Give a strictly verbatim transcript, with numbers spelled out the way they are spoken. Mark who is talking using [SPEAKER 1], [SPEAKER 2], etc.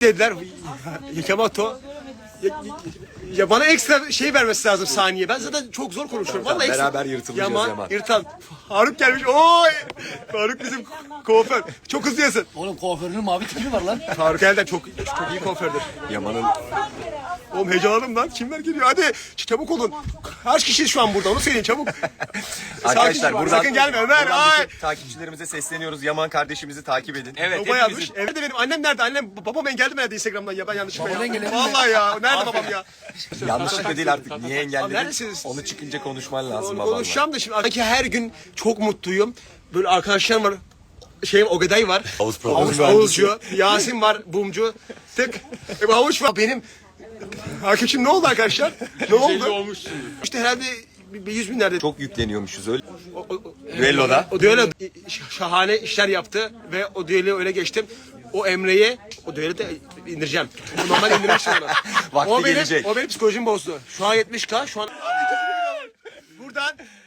[SPEAKER 1] dediler. Yamato. Ya, ya bana ekstra şey vermesi lazım saniye. Ben zaten çok zor konuşuyorum. Vallahi ekstra.
[SPEAKER 2] Beraber yırtılacağız Yaman.
[SPEAKER 1] Yaman. Yırtan. Faruk gelmiş. Oy! Faruk bizim kuaför. Çok hızlı yasın.
[SPEAKER 3] Oğlum kuaförünün mavi tipi var lan.
[SPEAKER 1] Faruk elden çok çok iyi kuafördür.
[SPEAKER 2] Yaman'ın
[SPEAKER 1] Oğlum heyecanlandım lan. Kimler geliyor? Hadi çabuk olun. Kaç kişiyiz şu an burada? Onu söyleyin çabuk.
[SPEAKER 2] arkadaşlar
[SPEAKER 1] Sakin,
[SPEAKER 2] buradan,
[SPEAKER 1] sakın gelme Ömer.
[SPEAKER 2] buradan
[SPEAKER 1] Ay.
[SPEAKER 2] bütün takipçilerimize sesleniyoruz. Yaman kardeşimizi takip edin.
[SPEAKER 3] Evet.
[SPEAKER 1] Baba yazmış. Evde benim annem nerede? Annem babam engeldi mi nerede Instagram'dan ya ben yanlışlıkla
[SPEAKER 3] Baban
[SPEAKER 1] ya.
[SPEAKER 3] engelledim
[SPEAKER 1] Vallahi ya. Nerede babam ya?
[SPEAKER 2] Yanlışlıkla değil artık. Niye
[SPEAKER 1] Abi
[SPEAKER 2] engelledin?
[SPEAKER 1] neredesiniz?
[SPEAKER 2] Onu çıkınca konuşman lazım
[SPEAKER 1] Onu
[SPEAKER 2] babanla.
[SPEAKER 1] konuşacağım da şimdi. Sanki her gün çok mutluyum. Böyle arkadaşlarım var. Şey Ogeday var.
[SPEAKER 2] Havuz
[SPEAKER 1] Havuç
[SPEAKER 2] mühendisi.
[SPEAKER 1] havuzcu. Yasin var bumcu. Tık. E, bu havuç var. Benim arkadaşım ne oldu arkadaşlar? Ne oldu? İşte herhalde bir bir yüz binlerde.
[SPEAKER 2] Çok yükleniyormuşuz öyle.
[SPEAKER 1] O, o,
[SPEAKER 2] Düelloda.
[SPEAKER 1] o düello şahane işler yaptı ve o düelloyu öyle geçtim. O Emre'ye o düello de indireceğim. Normal indirmiştim onu.
[SPEAKER 2] Vakti
[SPEAKER 1] o benim,
[SPEAKER 2] gelecek.
[SPEAKER 1] O benim psikolojimi bozdu. Şu an yetmiş K. Şu an buradan